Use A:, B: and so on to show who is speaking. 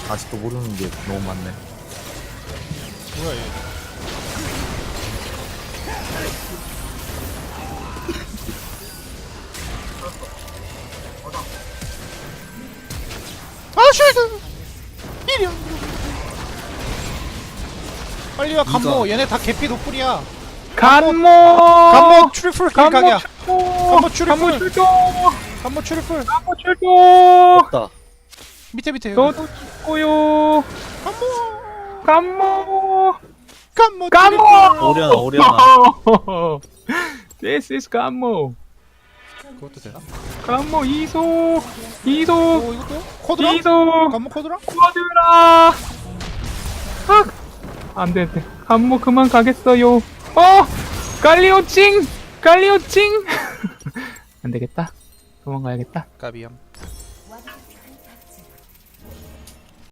A: 아직도 모르는 게 너무 많네.
B: 뭐야 얘. 아 쉴드! 이리 와. 빨리 와 간모. 얘네 다 개피 노플이야. 간모 트리플 킬 각이야. 간모 트리플.
C: 출동!
B: 간모 트리플.
C: 간모 출동!
A: 없다.
B: 밑에 여기.
C: 너도 죽고요.
B: 간모.
C: 간모!
B: 간모.
A: 오려나.
C: This is 간모.
B: 그것도 되나?
C: 간모 이속!
B: 오 이것도요? 코드라?
C: 이속!
B: 간모 코드라?
C: 쿼드라! 안돼 안돼. 간모 그만 가겠어요. 갈리오칭! 갈리오칭! 안되겠다. 도망가야겠다.
B: 까비염.